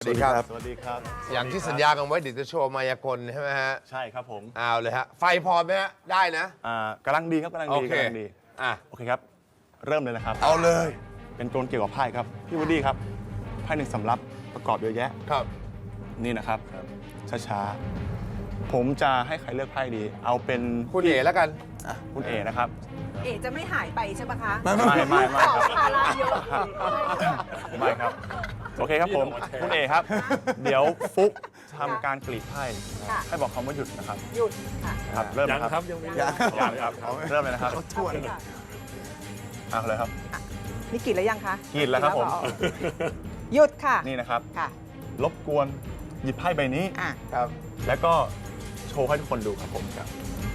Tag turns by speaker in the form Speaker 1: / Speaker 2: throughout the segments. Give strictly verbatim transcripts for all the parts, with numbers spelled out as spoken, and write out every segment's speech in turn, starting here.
Speaker 1: ดีครับ
Speaker 2: สวัสดีครับ
Speaker 1: อย่างที่สัญญากันไว้เดี๋ยวจะโชว์มายากลใช่ไหมฮะ
Speaker 2: ใช่ครับผม
Speaker 1: เอาเลยฮะ ไฟพอไหมฮะ ได้นะ
Speaker 2: อ่ากำลังดีครับกำลัง
Speaker 1: โอ
Speaker 2: ดี
Speaker 1: เค
Speaker 2: กำลังดี
Speaker 1: อ่ะ
Speaker 2: โอเคครับ เริ่มเลยนะครับ
Speaker 1: เอาเลย
Speaker 2: เป็นกลเกี่ยวกับไพ่ครับ พี่วูดดี้ครับ ไพ่หนึ่งสำรับประกอบเยอะแยะ
Speaker 1: ครับ
Speaker 2: นี่นะครับ ช้าๆ ผมจะให้ใครเลือกไพ่ดี เอาเป็น
Speaker 1: คุณเอ๋แล้วกัน
Speaker 2: อ่ะคุณเอนะครับ
Speaker 3: เอ๋จะไม่หายไปใช่ปะคะ
Speaker 2: ไม่ไม่ไม่ไม่
Speaker 3: ต่อภาระเยอะ
Speaker 2: ไม่ครับ โอเคครับผม คุณเอครับ เดี๋ยวฟุกทำการกรีดไพ่
Speaker 3: ค่ะ
Speaker 2: ให้บอกคำว่าหยุดนะครับ
Speaker 3: หยุดค่ะ
Speaker 2: ครับ เริ่มนะครับ
Speaker 4: ยังไม่
Speaker 3: ยัง
Speaker 2: ยังครับ เริ่มเลยนะครับ
Speaker 3: ทวนค่ะ
Speaker 2: เอาเลยครับ
Speaker 3: นี่กรีดแล้วยังคะ
Speaker 2: กรีดแล้วครับผม
Speaker 3: หยุดค่ะ
Speaker 2: นี่นะครับ
Speaker 3: ค่ะ
Speaker 2: รบกวนหยิบไพ่ใบนี้
Speaker 3: อ่ะ
Speaker 1: ครับ
Speaker 2: แล้วก็โชว์ให้ทุกคนดูครับผมครับ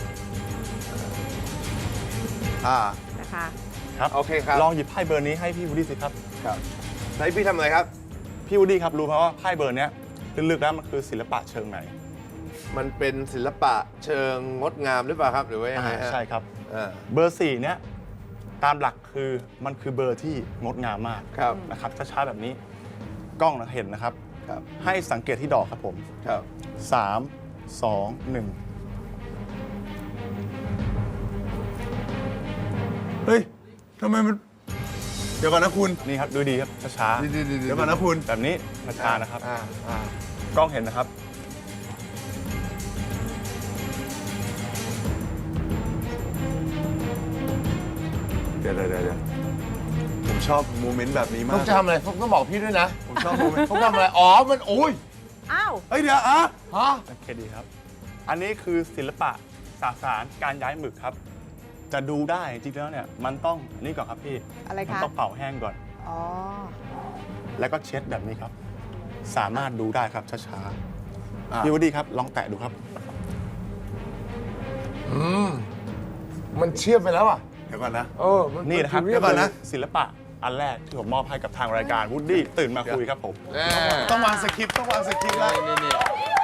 Speaker 1: อ่า
Speaker 3: นะคะ
Speaker 2: ครับ
Speaker 1: โอเคครับ
Speaker 2: ลองหยิบไพ่เบอร์นี้ให้พี่วูดดี้สิครับ
Speaker 1: ครับไหนพี่ทำอะไรครับ
Speaker 2: พี่วูดดี้ครับรู้ไหมว่าไพ่เบอร์เนี้ยลึกๆแล้วมันคือศิลปะเชิงไหน
Speaker 1: มันเป็นศิลปะเชิงงดงามหรือเปล่าครับ หรือว่ายังไงฮะ
Speaker 2: ใช่ครับ
Speaker 1: อ่า
Speaker 2: เบอร์สี่เนี้ยตามหลักคือมันคือเบอร์ที่งดงามมาก
Speaker 1: ครับ
Speaker 2: นะครับช้าๆแบบนี้กล้องเห็นนะครับ
Speaker 1: ครับ
Speaker 2: ให้สังเกตที่ดอกครับผม
Speaker 1: ครับ
Speaker 2: สาม สอง หนึ่ง
Speaker 4: เฮ้ยทำไมมัน เดี๋ยวก่อนนะคุณ
Speaker 2: นี่ครับดูดีครับช้า
Speaker 4: เดี๋ยวก่อนนะคุณ
Speaker 2: ๆแบบนี้ช้าๆนะครับ
Speaker 1: อ่าอ่า
Speaker 2: กล้องเห็นนะครับ
Speaker 4: เดี๋ยวเดี๋ยวเดี๋ยวผมชอบโมเมนต์แบบนี้มา
Speaker 1: ต้
Speaker 4: ก
Speaker 1: องทำอะไรต้องบอกพี่ด้วยนะ
Speaker 4: ผมชอบโมเมนต์
Speaker 1: ต้องทำอะไร อ๋อ มันโอ้ย
Speaker 3: อ้าว
Speaker 4: เฮ้ยเดี๋ยวอ่ะ
Speaker 1: ฮะ
Speaker 2: โอเคดีครับ อันนี้คือศิลปะสสารการย้ายหมึกครับ จะดูได้จริงๆแล้วเนี่ยมันต้องอันนี้ก่อนครับพี่
Speaker 3: อะไร
Speaker 2: มัน
Speaker 3: คะ
Speaker 2: ต้องเป่าแห้งก่อน
Speaker 3: อ๋อ
Speaker 2: แล้วก็เช็ดแบบนี้ครับ สามารถดูได้ครับช้า
Speaker 4: อ่ะ
Speaker 2: ๆพี่วูดดี้ครับลองแตะดูครับ
Speaker 1: อืม มันเชื่อมไปแล้วอ่ะ
Speaker 4: เดี๋ยวก่อนนะ
Speaker 1: เออมั
Speaker 2: นี่นะครับ
Speaker 1: มั
Speaker 2: เดี๋ยว
Speaker 1: เรี
Speaker 2: ก่
Speaker 1: ย
Speaker 2: อน
Speaker 1: บ
Speaker 2: นะศิลปะอันแรกที่ผมมอบให้กับทางรายการวูดดี้ตื่นมาคุยครับผม
Speaker 1: แน่
Speaker 4: ต้องวางสคริปต์ต้องวางสคริปต์แล้ว
Speaker 1: นี่นี่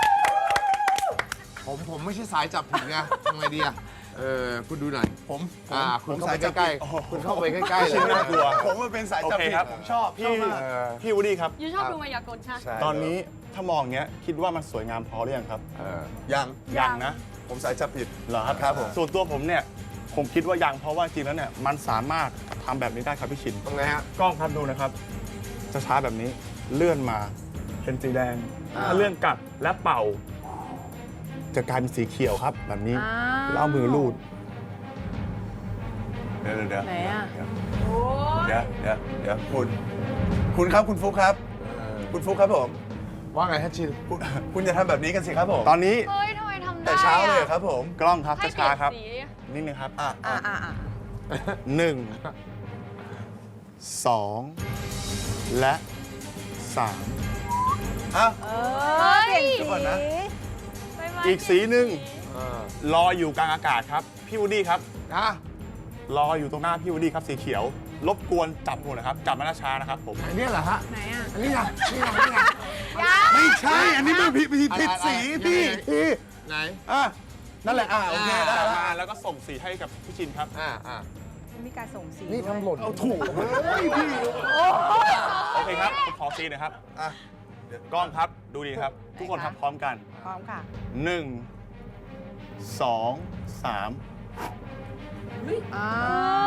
Speaker 1: ผมผมไม่ใช่สายจับผิดไงทำไงดีอ่ะ เออ คุณดูหน่อย
Speaker 4: ผมผม
Speaker 1: อ่า
Speaker 4: ผ
Speaker 1: คุณ
Speaker 4: ม
Speaker 1: เข้า
Speaker 4: สา
Speaker 1: ไป
Speaker 4: ยจับ
Speaker 1: ใกล้
Speaker 4: ผิดโอ้โห
Speaker 1: ๆ คุณเข้าไปใกล้ๆเล
Speaker 2: ชิ้น
Speaker 1: ย
Speaker 2: น่ากลัว
Speaker 4: ผมมันเป็นสายจับผิด
Speaker 2: โอเคครับ
Speaker 4: ผมชอบ
Speaker 2: พี่
Speaker 4: ชอบมาก
Speaker 1: เออ
Speaker 2: พี่วูดดี้ครับ
Speaker 5: ยูชอบดูมายากลใช่ไหม
Speaker 1: ใช่
Speaker 2: ตอนนี้ถ้ามองอย่างเงี้ยคิดว่ามันสวยงามพอหรือยังครับ
Speaker 1: เออ
Speaker 4: ยัง
Speaker 2: ยังนะ
Speaker 4: ผมสายจับผิด
Speaker 2: เหรอครับ
Speaker 4: ครับผม
Speaker 2: ส่วนตัวผมเนี่ยผมคิดว่ายังเพราะว่าจริงแล้วเนี่ยมันสามารถทำแบบนี้ได้ครับพี่ชิน
Speaker 1: ตรงไหนฮะ
Speaker 2: กล้องครับดูนะครับจะช้าแบบนี้เลื่อนมาเป็นสีแดง
Speaker 1: อ่า
Speaker 2: ถ้าเลื่อนกลับและเป่า จะกลายเป็นสีเขียวครับ แบบนี้
Speaker 5: อ้าว
Speaker 2: แล้วเอามือลูด
Speaker 4: เดี๋ยวเดี๋ยวเดี๋ยว
Speaker 5: ไหนอ่ะ
Speaker 4: เดี๋ยวเดี๋ยวเดี๋ยวคุณ คุณครับคุณฟุกครับ
Speaker 1: เออ
Speaker 4: คุณฟุกครับผม
Speaker 1: ว่าไงฮะชิน
Speaker 4: คุณคุณจะทำแบบนี้กันสิครับผม
Speaker 2: ตอนนี้
Speaker 5: เฮ้ยทำไมทำได้
Speaker 4: แต่เช้าเลยเหรอครับผม
Speaker 2: กล้องครับ
Speaker 5: ให้
Speaker 2: จะ
Speaker 5: เปลี่
Speaker 2: ช้าย
Speaker 5: น
Speaker 2: ครับ
Speaker 5: สี
Speaker 2: นิดนึงครับ
Speaker 4: อ่ะ
Speaker 3: อ่า
Speaker 4: อ่ะ
Speaker 3: อ่าอ่า
Speaker 2: หนึ่งสองและสาม
Speaker 4: อ่ะ
Speaker 3: เออเปลี่ยนสี
Speaker 4: ก่อนนะ
Speaker 5: ไม่ไม่
Speaker 2: อีกสีหนึ่ง
Speaker 1: เออ
Speaker 2: ลอยอยู่กลางอากาศครับพี่วูดดี้ครับ
Speaker 1: นะ
Speaker 2: ลอยอยู่ตรงหน้าพี่วูดดี้ครับสีเขียว รบกวนจับหัวนะครับจับมาช้าๆนะครับผม
Speaker 1: อันนี้เหรอฮะ
Speaker 5: ไหนอ่ะ
Speaker 1: อันนี้ไงนี่ไงนี่ไง
Speaker 4: ไม่ใช่ อันนี้มันผิดผิดผิดสีพี่ พี่
Speaker 1: ไหน
Speaker 2: อ่ะนั่นแหละ
Speaker 4: อ่ะโอเคได้
Speaker 2: จับ
Speaker 4: แล้ว
Speaker 2: มาแล้วก็ส่งสีให้กับพี่ชินครับ
Speaker 1: อ่าอ่า
Speaker 3: มีการส่งสี
Speaker 1: นี่
Speaker 3: ด้วย
Speaker 1: ทำหล่น
Speaker 4: เอาถูกเฮ้ยพี่
Speaker 2: โอเคครับผมขอซีหนะครับ
Speaker 4: อ่ะ
Speaker 2: กล้องครับดูดีครับ ทุกคนทำพร้อมกัน
Speaker 3: พร้อมค่ะ
Speaker 2: หนึ่งสองสาม
Speaker 3: อ้า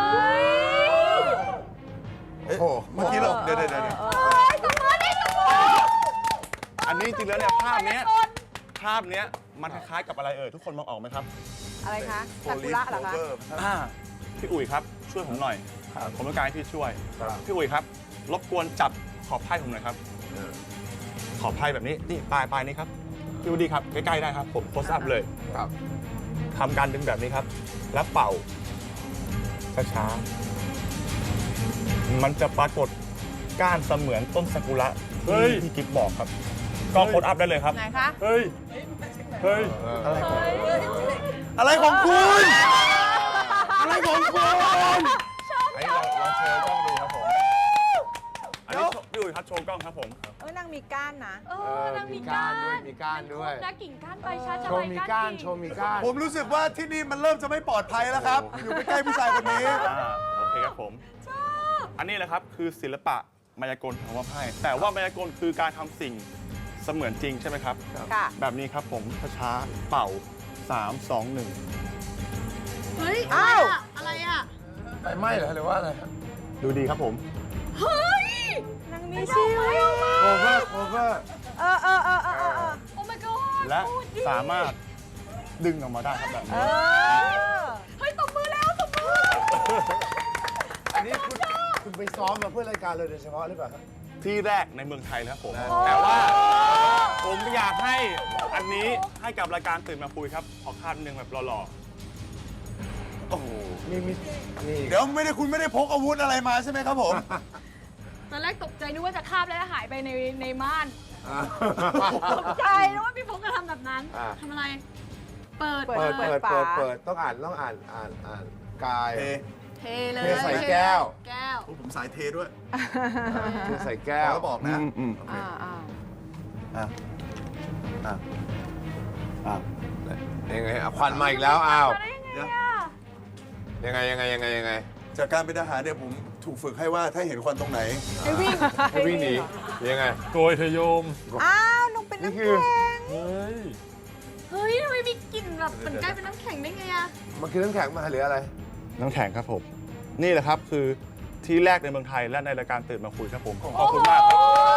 Speaker 4: เอ๊ะเมื่อกี้เราเดี๋ยวเดี๋ยวเดี๋ยว
Speaker 2: อันนี้จริงแล้วเนี่ยภาพเนี้ยภาพเนี้ยมันคล้ายๆกับอะไรเอ่ยทุกคนมองออกไหมครับ
Speaker 3: อะไรคะซากุระเหรอคะ
Speaker 2: อ่าพี่อุ๋ยครับช่วยผมหน่อยผมต้องการให้พี่ช่วย
Speaker 1: ครับ
Speaker 2: พี่อุ๋ยครับรบกวนจับขอบไพ่ผมหน่อยครับ
Speaker 1: เออ
Speaker 2: ขอบไพ่แบบนี้นี่ปลายปลายนี้ครับพี่วูดดี้ครับใกล้ๆได้ครับผมโคสอัพเลย
Speaker 1: ครับ
Speaker 2: ทำการดึงแบบนี้ครับ แล้วเป่าช้าๆมันจะปรากฏก้านเสมือนต้นซากุระที่พี่กิฟบอกครับก็โคสอัพได้เลยครับ
Speaker 3: ไหนคะ
Speaker 2: เฮ้ยเฮ้ย
Speaker 4: อะไรของอะไรของคุณ อะไรของคุณ
Speaker 2: อันนี้เราเราโชว์กล้องดูครับผมอันนี้พี่อุ๋ยครับโชว์กล้องครับผม
Speaker 3: เอ้ยนางมีก้านนะ
Speaker 5: เออนางมีก้าน
Speaker 1: ด้วยมีก้านด้วย
Speaker 5: นะกิ่งก้านใบชาจะ
Speaker 1: โช
Speaker 5: ใบ
Speaker 1: ว์มี
Speaker 5: ก้า
Speaker 1: ก้าน
Speaker 5: น
Speaker 1: โชว์มีก้าน
Speaker 4: ผมรู้สึกว่าที่นี่มันเริ่มจะไม่ปลอดภัยแล้วครับ อยู่ใกล้ๆผู้ชายคนนี้
Speaker 2: อ่าโอเคครับผมชอบอันนี้แหละครับคือศิลปะมายากลของว่าไพ่แต่ว่ามายากลคือการทำสิ่งเสมือนจริงใช่ไหมครับ
Speaker 3: ค่ะ
Speaker 2: แบบนี้ครับผมช้าๆเป่าสาม สอง หนึ่ง
Speaker 5: เฮ้ย
Speaker 3: อ้าว
Speaker 5: อะไรอ่ะ
Speaker 4: ไฟไหม้เหรอหรือว่าอะไรครับ
Speaker 2: ดูดีครับผม
Speaker 5: เฮ้ย
Speaker 3: นางมีชีวิต
Speaker 1: โคเวอร์โคเวอร์
Speaker 3: เออเออเออเออเออเออ
Speaker 5: โอ้ my god
Speaker 2: และ
Speaker 5: พูดดิ
Speaker 2: สามารถดึงออกมาได้ครับแบบ
Speaker 3: เอ
Speaker 2: นี้
Speaker 3: อ
Speaker 5: เฮ้ยตบมือแล้วตบมือ
Speaker 1: อันนี้คุณคุณไปซ้อมมาเพื่อรายการเลยโดยเฉพาะหรือเปล่าครับ
Speaker 2: ที่แรกในเมืองไทยนะครับผม
Speaker 1: โอ้
Speaker 2: แต่ว่าผมอยากให้อันนี้ให้กับรายการตื่นมาคุยครับขอคาดหนึ่งแบบหล่อ
Speaker 4: โอ้โห
Speaker 1: นี่มีนี่
Speaker 4: เดี๋ยวไม่ได้คุณไม่ได้พกอาวุธอะไรมาใช่ไหมครับผม
Speaker 5: ตอนแรกตกใจนึกว่าจะคาบแล้วหายไปในในม่าน
Speaker 1: อ่า
Speaker 5: ตกใจนึกว่าพี่พงษ์จะทำแบบนั้น
Speaker 1: อ่า
Speaker 5: ทำอะไร เปิด
Speaker 3: เปิ
Speaker 1: เปิด
Speaker 3: เปิ
Speaker 1: เปิ
Speaker 3: ด
Speaker 1: ดเปิด
Speaker 3: ฝา
Speaker 1: เปิดต้องอ่านต้องอ่านอ่านอ่านกาย
Speaker 4: เท
Speaker 5: เทเลย
Speaker 1: เทใส่แก้ว
Speaker 5: แก้ว
Speaker 4: โอ้ผมสายเทด้วย
Speaker 1: คือใส่แก้ว
Speaker 4: แล้วบอกนะ
Speaker 2: อืมอืม
Speaker 4: โอเค
Speaker 3: อ่าอ่า
Speaker 4: อ่ะอ่ะอ่ะ
Speaker 1: ยังไงอ่ะควันมาอีกแล้วอ้าว
Speaker 5: มาได้ยังไง
Speaker 4: เดี๋ยว
Speaker 5: อ่ะ
Speaker 1: ยังไงยังไงยังไงยังไง
Speaker 4: จากการเป็นทหารเนี่ยผมถูกฝึกให้ว่าถ้าเห็นควันตรงไหน
Speaker 5: ให้วิ่ง
Speaker 1: ให้วิ่งหนียังไง
Speaker 6: โกยเธอโยม
Speaker 3: อ้าวลงเป็น
Speaker 1: นี่
Speaker 3: น้ำ
Speaker 1: คื
Speaker 3: แข็
Speaker 1: อ
Speaker 3: ง
Speaker 6: เฮ้ย
Speaker 5: เฮ้ยทำไมมีกลิ่นแบบเหมือนกลายเป็นน้ำแข็งได้ไงอ่ะ
Speaker 1: มันคือน้ำแข็งมาหรืออะไร
Speaker 2: น้ำแข็งครับผม นี่แหละครับคือที่แรกในเมืองไทยและในรายการตื่นมาคุยครับผมขอบคุณมากครับ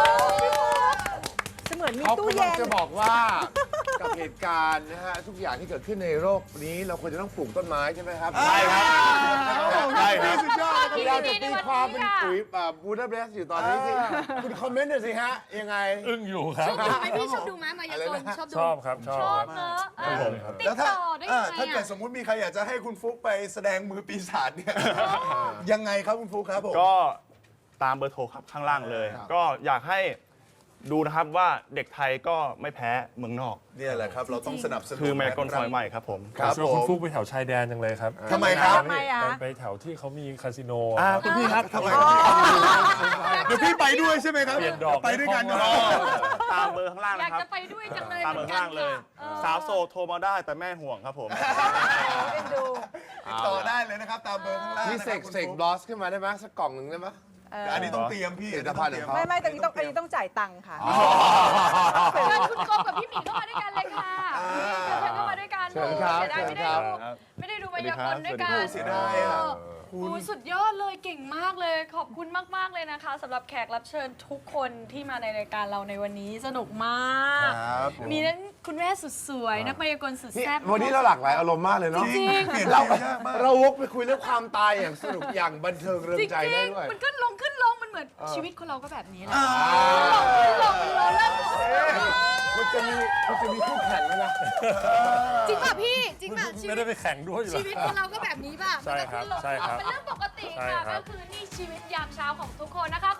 Speaker 3: เสมือนมี
Speaker 1: เขา
Speaker 3: ตู้
Speaker 1: กำลั
Speaker 3: เย็
Speaker 1: ง
Speaker 3: น
Speaker 1: จะบอกว่า กับเหตุการณ์นะฮะทุกอย่างที่เกิดขึ้นในโลกนี้เราควรจะต้องปลูกต้นไม้ใช่ไหมครับ
Speaker 2: ใช่ครับใช่ครับ
Speaker 1: สุดยอดที่เราจะตีความเป็นปุ๋ยบูดาเบสอยู่ตอนนี้ที่คุณคอมเมนต์หน่อยสิฮะยังไง
Speaker 6: อึ้งอยู่ครับ
Speaker 5: ชอบดูไหมพี่ชอบดูไหมมายากลชอบดู
Speaker 6: ชอบครับชอบ
Speaker 5: ชอบ
Speaker 6: ครับ
Speaker 5: เนอะเออ
Speaker 6: ผมครับ
Speaker 5: ติด
Speaker 4: แล้วถ้า
Speaker 5: ต่อได้
Speaker 4: อ่ะ
Speaker 5: ยังไง
Speaker 4: ถ้าเกิด
Speaker 5: อ่ะ
Speaker 4: สมมุติมีใครอยากจะให้คุณฟุกไปแสดงมือปีศาจเนี่ย ยังไงครับคุณฟุกครับผม
Speaker 2: ก็ตามเบอร์โทรครับข้างล่างเลย ก็อยากให้ดูนะครับว่าเด็กไทยก็ไม่แพ้เมืองนอก
Speaker 4: เนี่ยแหละครับ เราต้องสนับสนุน
Speaker 2: คือแมกลซอยใหม่ครับผม
Speaker 4: ครับ
Speaker 6: ชวน
Speaker 4: ผ
Speaker 6: คุณ
Speaker 4: ม
Speaker 6: ฟุกไปแถวชายแดนจังเลยครับ
Speaker 4: ทำไมครับ
Speaker 3: ทำไมอ่ะ
Speaker 6: ไปไปแถวที่เขามีคาสิโน
Speaker 2: อ่าคุณพี่ครับ
Speaker 4: ทำไมเดี๋ยวพี่ไปด้วยใช่ไหมครับ
Speaker 6: เปลี่ยนดอก
Speaker 4: ไปด้วยกัน
Speaker 6: ไม่
Speaker 4: เน
Speaker 6: พอ
Speaker 4: อะ
Speaker 2: ตามเบอร์ข้างล่าง
Speaker 5: อยาก
Speaker 2: นะครับ
Speaker 5: จะไปด้วยจังเลย
Speaker 2: ตามเบอร์ข้างล่างเลย
Speaker 5: ออ
Speaker 2: สาวโสดโทรมาได้แต่แม่ห่วงครับผม
Speaker 3: เอ็นดู
Speaker 4: ติดต่อได้เลยนะครับ ตามเบอร์ข้างล่าง
Speaker 1: นี่
Speaker 4: นะ
Speaker 1: เส
Speaker 4: ครับ
Speaker 1: ก
Speaker 4: คุณ
Speaker 1: เสก
Speaker 4: ฟุ๊
Speaker 1: บลอสขึ้นมาได้ไหมสักกล่องหนึ่งได้ไหม
Speaker 3: เออ
Speaker 4: แต่อันนี้ต้องเตรียมพี่
Speaker 1: ผลิตภัณฑ์ของเขา
Speaker 3: ไม่ไม่แต่นี้ต้องอันนี้ต้องจ่ายตังค์ค่ะ
Speaker 5: เชิญคุณโกกับพี่หมีเข้ามาด้วยกันเลยค่ะเชิญเข้ามาด้วยกัน
Speaker 1: เชิญครับ
Speaker 5: เสียดายไม่ได้
Speaker 1: เชิญครับ
Speaker 5: ดูไม่ได้ดูมายากลด้วยกัน
Speaker 2: สวัสดีครับ
Speaker 4: เสียดายอ่ะ
Speaker 5: โอ้โหสุดยอดเลยเก่งมากเลย ขอบคุณมากๆเลยนะคะสำหรับแขกรับเชิญทุกคนที่มาในรายการเราในวันนี้สนุกมาก
Speaker 4: ครับผม
Speaker 5: มีนั้นคุณแม่สุดสวย นักมายากลสุด
Speaker 1: นี่
Speaker 5: แซ่บ
Speaker 1: วันนี้เราหลากหลายอารมณ์มากเลยเนาะ
Speaker 5: จริง
Speaker 4: เปลี่ยน
Speaker 1: เรา
Speaker 4: เปลี่ยนยากมาก
Speaker 1: เราวกไปคุยเรื่องความตายอย่างสนุกอย่างบันเทิงเริง
Speaker 5: จริง
Speaker 1: ใจได้ด้วย
Speaker 5: ๆมันก็ลงขึ้นลงมันเหมือนชีวิตคนเราก็แบบนี้แหละ
Speaker 4: อ่า
Speaker 5: ขึ้นลงขึ้นลงมันเริ่ม
Speaker 1: มันจะมีมันจะมีคู่แข่งไหมนะ
Speaker 5: จริงป่ะพี่จริงป่ะชี
Speaker 6: ไม่
Speaker 5: วิ
Speaker 6: ได้
Speaker 5: ต
Speaker 6: ไปแข่งด้วยอยู่
Speaker 5: ชี
Speaker 6: แล้ว
Speaker 5: วิตคนเราก็แบบนี้ป่ะ
Speaker 6: ใช่ครับ
Speaker 5: มันก็ขึ้นลง
Speaker 6: ใช่ครับ
Speaker 5: เป็นเรื่องปกติ
Speaker 6: ใช่
Speaker 5: ค่ะ
Speaker 6: ครับ
Speaker 5: ก็คือนี่ชีวิตยามเช้าของทุกคนนะคะ